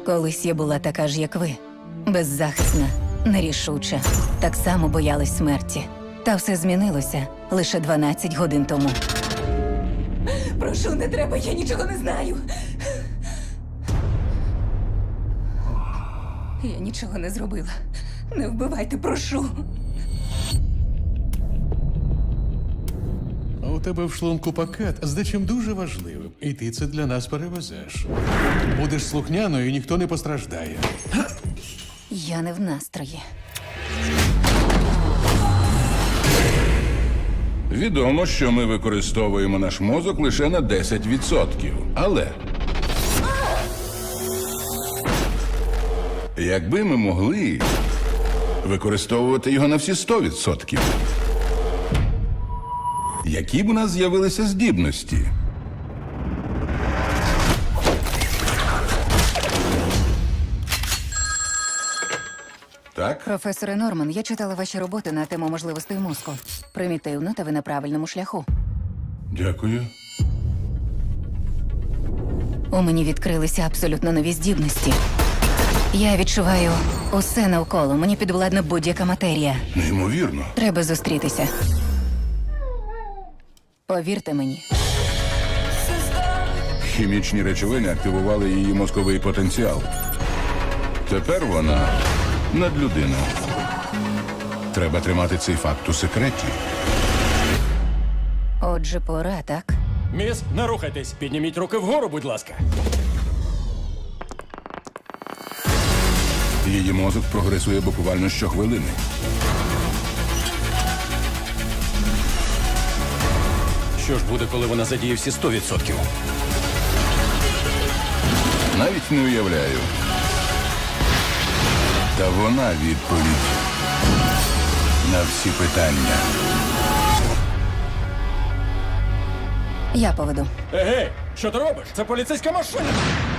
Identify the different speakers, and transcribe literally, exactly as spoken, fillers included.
Speaker 1: Колись я була така ж, як ви. Беззахисна, нерішуча. Так само боялась смерті. Та все змінилося лише дванадцять годин тому. Прошу, не треба, я нічого не знаю. Я нічого не зробила. Не вбивайте, прошу.
Speaker 2: А у тебе в шлунку пакет з дечим дуже важливим, і ти це для нас перевезеш. Будеш слухняною, і ніхто не постраждає.
Speaker 1: Я не в настрої.
Speaker 3: Відомо, що ми використовуємо наш мозок лише на десять відсотків. Але якби ми могли використовувати його на всі сто відсотків, які б у нас з'явилися здібності? Так?
Speaker 1: Професоре Норман, я читала ваші роботи на тему можливостей мозку. Примітивно, та ви на правильному шляху.
Speaker 3: Дякую.
Speaker 1: У мені відкрилися абсолютно нові здібності. Я відчуваю усе навколо. Мені підвладна будь-яка матерія.
Speaker 3: Неймовірно.
Speaker 1: Треба зустрітися. Повірте мені.
Speaker 3: Хімічні речовини активували її мозковий потенціал. Тепер вона надлюдина. Треба тримати цей факт у секреті.
Speaker 1: Отже, пора, так?
Speaker 4: Міс, не рухайтесь. Підніміть руки вгору, будь ласка.
Speaker 3: Її мозок прогресує буквально щохвилини.
Speaker 4: Що ж буде, коли вона задіє всі сто відсотків?
Speaker 3: Навіть не уявляю. Та вона відповідь на всі питання.
Speaker 1: Я поведу.
Speaker 4: Егей, що ти робиш? Це поліцейська машина.